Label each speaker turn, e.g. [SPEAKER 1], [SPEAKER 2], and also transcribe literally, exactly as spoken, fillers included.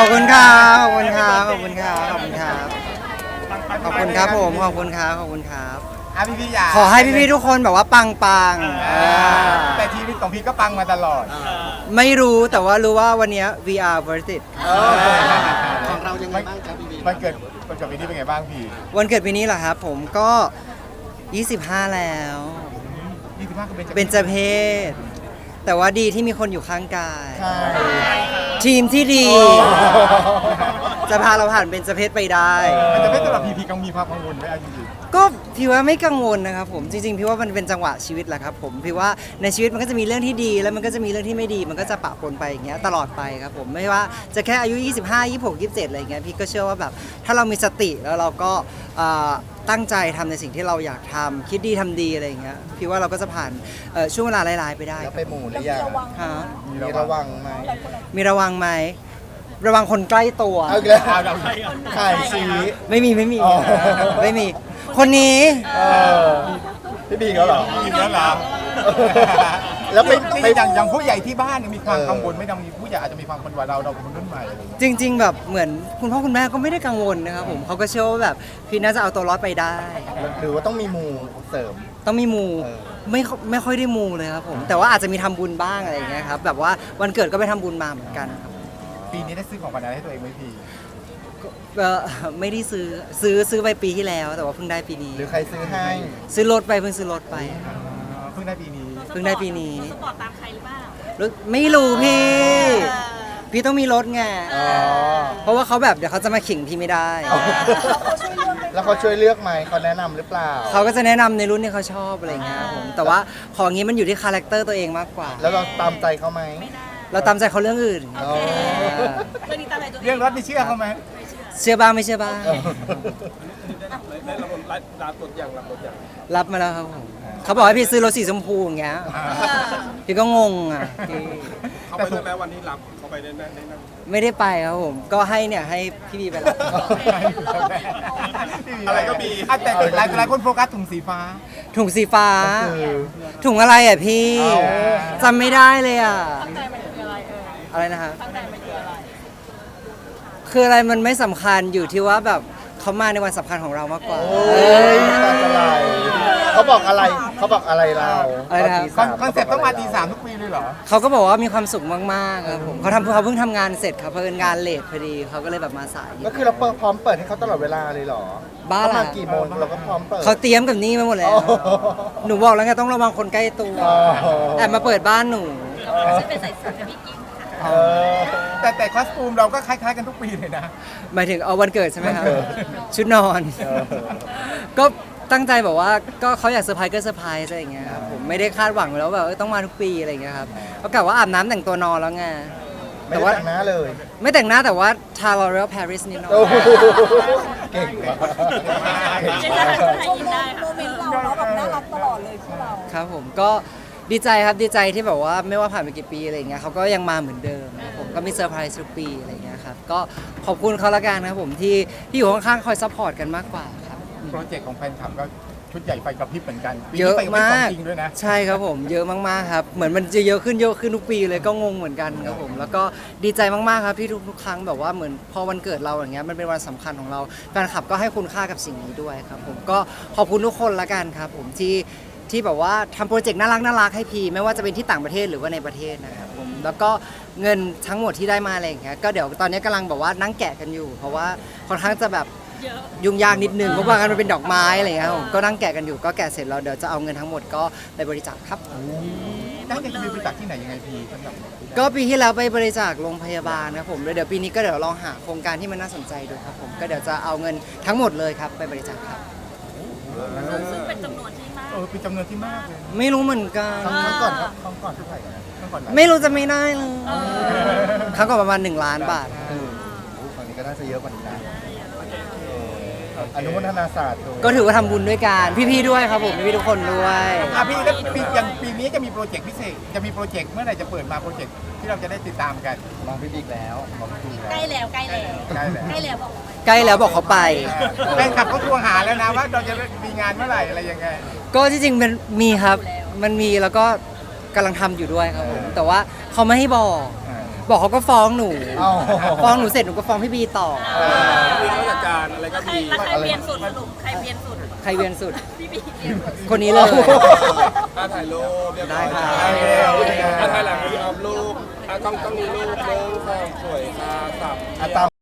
[SPEAKER 1] อบคุณครับขอบคุณครับขอบคุณครับขอบคุณครับขอบคุณครับผมขอบคุณครับขอบคุณครับ
[SPEAKER 2] อ่ะพี่พี่อยาก
[SPEAKER 1] ขอให้พี่ๆทุกคนแบบว่าปังปัง
[SPEAKER 2] อ่าแต่ชีวิตของพี่ก็ปังมาตลอด
[SPEAKER 1] ไม่รู้แต่ว่ารู้ว่าวันนี้ วี อาร์ worth it
[SPEAKER 3] ของเรายังไงบ้างจ๊ะพี่บี
[SPEAKER 2] มันเกิดมันเกิดปีนี้เป็นไงบ้างพี่
[SPEAKER 1] วันเกิดปีนี้เหรอครับผมก็ ยี่สิบห้า แล้ว
[SPEAKER 2] ยี่สิบห้าก็เป็น
[SPEAKER 1] เป็นเจเพศ แต่ว่าดีที่มีคนอยู่ข้างกาย
[SPEAKER 2] ใช่
[SPEAKER 1] ทีมที่ดี
[SPEAKER 2] โอ้
[SPEAKER 1] จะพาเราผ่านเป็นเจเพศไปได้
[SPEAKER 2] มันจะไม่สำหรับพี่พี่กังมีความกังวลไหมเอาจริง
[SPEAKER 1] ก็พี่ว่าไม่กังวลนะครับผมจริงๆพี่ว่ามันเป็นจังหวะชีวิตแหละครับผมพี่ว่าในชีวิตมันก็จะมีเรื่องที่ดีแล้วมันก็จะมีเรื่องที่ไม่ดี มันก็จะปะปนไปอย่างเงี้ยตลอดไปครับผมไม่ว่าจะแค่อายุยี่สิบห้า ยี่สิบหก ยี่สิบเจ็ดอะไรอย่างเงี้ยพี่ก็เชื่อว่าแบบถ้าเรามีสติแล้วเราก็เอ่อตั้งใจทำในสิ่งที่เราอยากทำคิดดีทำดีอะไรอย่างเงี้ยพี่ว่าเราก็จะผ่านเอ่อช่วงเวลาร้ายๆไปได้
[SPEAKER 3] แล้ว
[SPEAKER 1] ค
[SPEAKER 3] ไป
[SPEAKER 1] รับ
[SPEAKER 3] หมู่หรือยัง
[SPEAKER 1] ฮะ
[SPEAKER 2] ๆ
[SPEAKER 3] มีระวังไหม
[SPEAKER 1] มีระวังไหมระวังคนใกล้ตัว
[SPEAKER 3] เอาอีกแล้ว
[SPEAKER 2] เอาเรา
[SPEAKER 3] ขายชี้
[SPEAKER 1] ไม่มีไม่มี
[SPEAKER 3] อ๋อ
[SPEAKER 1] ไม่มีคนนี้
[SPEAKER 3] เออพี่บีเขาเหรอ
[SPEAKER 2] มีแล้วเหรอ
[SPEAKER 3] แล้วไป
[SPEAKER 2] นี่
[SPEAKER 3] ไป
[SPEAKER 2] อย่างอย่างผู้ใหญ่ที่บ้านเนี่ยมีความ
[SPEAKER 3] เออ
[SPEAKER 2] กังวลไหม่ต้องมีผู้ใหญ่อาจจะมีความกังวลว่าเราเราเป็นคนรุ่นใหม่อะไรอย่างเงี้ย
[SPEAKER 1] จริง ๆ แบบเหมือนคุณพ่อคุณแม่ก็ไม่ได้กังวลนะครับผมเขาก็เชื่อว่าแบบพี่น่าจะเอาตัวรอดไปได้
[SPEAKER 3] หรือว่าต้องมีหมู่เสริม
[SPEAKER 1] ต้องมีมู
[SPEAKER 3] เออ
[SPEAKER 1] ไม่ค่อยไม่ค่อยได้มูเลยครับผมแต่ว่าอาจจะมีทำบุญบ้างอะไรอย่างเงี้ยครับแบบว่าวันเกิดก็ไปทำบุญมาเหมือนกันครับ
[SPEAKER 2] ปีนี้ได้ซื้อของขวัญอะไรให้ตัวเองไหมพี่
[SPEAKER 1] เอ่อไม่ได้ซื้อซื้อซื้อไปปีที่แล้ว แต่ว่าเพิ่งได้ปีนี้
[SPEAKER 3] หรือใครซื้อให้
[SPEAKER 1] ซื้อรถไปเพิ่งซื้อรถไป
[SPEAKER 2] เพิ่งได้ปีนี้
[SPEAKER 1] เพิ่งได้ปีนี้
[SPEAKER 4] สปอร์ตตามใครหรือเปล่า
[SPEAKER 1] รู้ไม่รู้พี่
[SPEAKER 4] เออ
[SPEAKER 1] พี่ต้องมีรถไง
[SPEAKER 3] อ๋อ
[SPEAKER 1] เพราะว่าเขาแบบเดี๋ยวเขาจะมาขิงพี่ไม่ได้
[SPEAKER 3] แล้วเขาช่วยเลือกไหมเขาแนะนำหรือเปล่า
[SPEAKER 1] เขาก็จะแนะนำในรุ่นที่เขาชอบอะไรอย่างเงี้ยครับผมแต่ว่าของนี้มันอยู่ที่คาแรคเตอร์ตัวเองมากกว่า
[SPEAKER 3] แล้วเราตามใจเขาไหม
[SPEAKER 1] เราตามใจเขาเรื่องอื่น
[SPEAKER 3] อ๋อ
[SPEAKER 4] เรื่องนี้ตามใจตัวเอง
[SPEAKER 2] เรื่องรถนี่เชื่อเขาไหม
[SPEAKER 1] เชื่อบ้างไม่เชื่อบ้าง
[SPEAKER 3] เออ
[SPEAKER 1] รับมาแล้วครับผมเขาบอกให้พี่ซื้อรถสีชมพูอย่างเงี้ย
[SPEAKER 2] อ่า
[SPEAKER 1] พี่ก็งงอ่ะพี่
[SPEAKER 5] เขาไปด้วยไหมวันนี้รับเขาไปได้ไหมได้นั่ง
[SPEAKER 1] ไม่ได้ไปครับผมก็ให้เนี่ยให้พี่บีไปรับ
[SPEAKER 5] อะไรก็มี
[SPEAKER 2] อ่ะแต่หลายหลายคนโฟกัสถุงสีฟ้า
[SPEAKER 1] ถุงสีฟ้า
[SPEAKER 3] ก็คือ
[SPEAKER 1] ถุงอะไรอ่ะพี่
[SPEAKER 3] เอา
[SPEAKER 1] จำไม่ได้เลยอ่ะ
[SPEAKER 4] ตั้งใจมันคืออะไรเออ
[SPEAKER 1] อะไรนะฮะ
[SPEAKER 4] ตั้งใจมันคืออะไร
[SPEAKER 1] คืออะไรมันไม่สำคัญอยู่ที่ว่าแบบเขามาในวันสำคัญของเรามากกว่า
[SPEAKER 3] โอ้ยตาจะไหลเขาบอกอะไรเขาบอกอะไรเรา
[SPEAKER 1] อะไรนะครับ
[SPEAKER 2] คอนคอนเซ็ปต์ต้องมาตีสามทุกปีเลยเหรอ
[SPEAKER 1] เขาก็บอกว่ามีความสุขมากๆครับผมเขาทำเขาเพิ่งทำงานเสร็จครับเพราะเป็นงานเลทพอดีเขาก็เลยแบบมาสาย
[SPEAKER 3] ก็คือเราเปิดพร้อมเปิดให้เขาตลอดเวลาเลยเหรอ
[SPEAKER 1] บ้า
[SPEAKER 3] เขา
[SPEAKER 1] ล่ะ
[SPEAKER 3] มากี่โมงเราก็พร้อมเปิด
[SPEAKER 1] เขาเตรียมกับนี่มาหมดแล้ว
[SPEAKER 3] โอ้โห
[SPEAKER 1] หนูบอกแล้วไงต้องระวังคนใกล้ตัว
[SPEAKER 3] อ๋อ
[SPEAKER 1] แอบมาเปิดบ้านหนู
[SPEAKER 4] ฉันเป็นใส่สูทกับพี่กิ๊กค่ะ
[SPEAKER 3] เออ
[SPEAKER 2] แต่แต่คอสตูมเราก็คล้ายๆกันทุกปีเลยนะ
[SPEAKER 1] หมายถึงเอาวันเกิดใช่ไหมครับ
[SPEAKER 3] วันเกิด
[SPEAKER 1] ชุดนอน
[SPEAKER 3] เออ
[SPEAKER 1] ก็ตั้งใจแบบว่าก็เขาอยากเซอร์ไพรส์ก็เซอร์ไพรส์อะไรอย่างเงี้ยครับผมไม่ได้คาดหวังไว้แล้วแบบเออต้องมาทุกปีอะไรอย่างเงี้ยครับเขากะว่าอาบน้ำแต่งตัวนอนแล้วไง
[SPEAKER 3] ไม่
[SPEAKER 1] แต่
[SPEAKER 3] ได้
[SPEAKER 1] ว่า
[SPEAKER 3] แต่งหน้าเลย
[SPEAKER 1] ไม่แต่งหน้าแต่ว่าทาลอเรลปารีสนิดหน่อย
[SPEAKER 3] โอ้โหเก่งมากเก่ง
[SPEAKER 4] เจน
[SPEAKER 3] มา
[SPEAKER 4] น่าก จะให้ยิ้มได้
[SPEAKER 6] โม
[SPEAKER 4] ค่ะ
[SPEAKER 6] เมนต์เราเราแบบน่ารักตลอดเลยคู่เรา
[SPEAKER 1] ครับผมก็ดีใจครับดีใจที่แบบว่าไม่ว่าผ่านไปกี่ปีอะไรอย่างเงี้ยเขาก็ยังมาเหมือนเดิมครับผมก็มีเซอร์ไพรส์ทุกปีอะไรอย่างเงี้ยครับก็ขอบคุณเขาละกันนะครับผมที่ที่อยู่ข้างๆคอยซัพพอร์ตกันมากกว่าครับ
[SPEAKER 2] โปรเจกต์ของแฟนคลับก็ชุดใหญ่ไฟกระพริบเหมือนกันปี
[SPEAKER 1] เย
[SPEAKER 2] นี้
[SPEAKER 1] อะ
[SPEAKER 2] ไฟกระพริบ
[SPEAKER 1] มา
[SPEAKER 2] ของ
[SPEAKER 1] ก
[SPEAKER 2] จริงด้วยนะ
[SPEAKER 1] ใช่ครับผมเยอะมากๆครับเหมือนมันจะเยอะขึ้นเยอะขึ้นทุกปีเลยก็งงเหมือนกันครับผมแล้วก็ดีใจมากๆครับที่ทุกๆครั้งแบบว่าเหมือนพอวันเกิดเราอย่างเงี้ยมันเป็นวันสำคัญของเราแฟนคลับก็ให้คุณค่ากับสิ่งนี้ด้วยครับผมก็ขอบคุณทุกคนละกันครับผมที่ที่แบบว่าทำโปรเจกต์น่ารักน่ารักให้พีไม่ว่าจะเป็นที่ต่างประเทศหรือว่าในประเทศนะครับผมแล้วก็เงินทั้งหมดที่ได้มาอะไรอย่างเงี้ยก็เดี๋ยวตอนนี้กำลังแบบว่านั่งแกะกันอยู่ เพราะว่าค่อนข้างจะแบบ
[SPEAKER 4] เยอะ
[SPEAKER 1] ยุ่งยากนิดนึงเพราะว่ามันเป็นดอกไม้อะไรอย่างเงี้ยครับผมก็นั่งแกะกันอยู่ก็แกะเสร็จแล้วเดี๋ยวจะเอาเงินทั้งหมดก็ไปบริจาคครับ
[SPEAKER 2] ตั้งใจจะมีบริจาคที่ไหนยังไงพี่สำหรับ
[SPEAKER 1] ก็ปีที่แล้วไปบริจาคโรงพยาบาลนะครับผมแล้วเดี๋ยวปีนี้ก็เดี๋ยวลองหาโครงการที่มันน่าสนใจดูครับผมก็เดี๋ยวจะเอาเงินทั้งหมดเลยครับไปบริจาคครับ
[SPEAKER 4] ซึ่งเป็นจำนวนที่มาก
[SPEAKER 2] เออเป็นจำนวนที่มากเลย
[SPEAKER 1] ไม่รู้เหมือนกัน
[SPEAKER 3] ครั้งก่อนครับครั้งก่อนเท่าไหร่นะ
[SPEAKER 2] เมื่อก่อนหลาย
[SPEAKER 1] ไม่รู้จะไม่ได้เลยครั้งก่อนประมาณหนึ่งล้านบาท
[SPEAKER 3] โอ้ครั้งนี้ก็น่าจะเยอะกว่านี้นะเอออนุโมทนาศาสตร์
[SPEAKER 1] ก็ถือว่าทำบุญด้วยกันพี่ๆด้วยครับผมพี่ๆทุกคนด้วย
[SPEAKER 2] อ่ะพี่แล้วปีอย่างปีนี้จะมีโปรเจกต์พิเศษจะมีโปรเจกต์เมื่อไหร่จะเปิดมาโปรเจกต์ที่เราจะได้ติดตามกัน
[SPEAKER 3] มองพี่บิ๊กแล้วมองพี่บิ๊ก
[SPEAKER 4] ใกล้
[SPEAKER 3] แล้ว
[SPEAKER 4] แล้วใกล้แล้ว
[SPEAKER 2] ใกล้แล้ว
[SPEAKER 4] ใกล้แล้วบอก
[SPEAKER 1] ใกล้แล้วบอกเขาไป
[SPEAKER 2] แฟนคลับเขาทวงหาแล้วนะว่าเราจะมีงานเมื่อไหร่อะไรยังไง
[SPEAKER 1] ก็ที่จริงมันมีครับมันมีแล้วก็กำลังทำอยู่ด้วยครับผมแต่ว่าเขาไม่ให้บอกบอกเขาก็ฟ้องหนู
[SPEAKER 3] เอ้า
[SPEAKER 1] ฟ้องหนูเสร็จหนูก็ฟ้องพี่บีต่อ
[SPEAKER 5] มีเขาจัดการอะไรก็
[SPEAKER 4] ใคร
[SPEAKER 5] มี
[SPEAKER 4] แล้วใครเบียนสุดสรุปใครเบียนสุด
[SPEAKER 1] ใครเวียนสุด
[SPEAKER 4] พี่บีเบียนสุด
[SPEAKER 1] คนนี้เลย
[SPEAKER 5] อ่ะถ่ายรูปเรียบร้อย
[SPEAKER 1] ได้ครับ
[SPEAKER 5] อ่ะถ่ายหลังมีอัพรูปอ่ะต้องต้องมีรูปหนึ่งสองสวยค่ะสับ
[SPEAKER 3] อ่ะตาม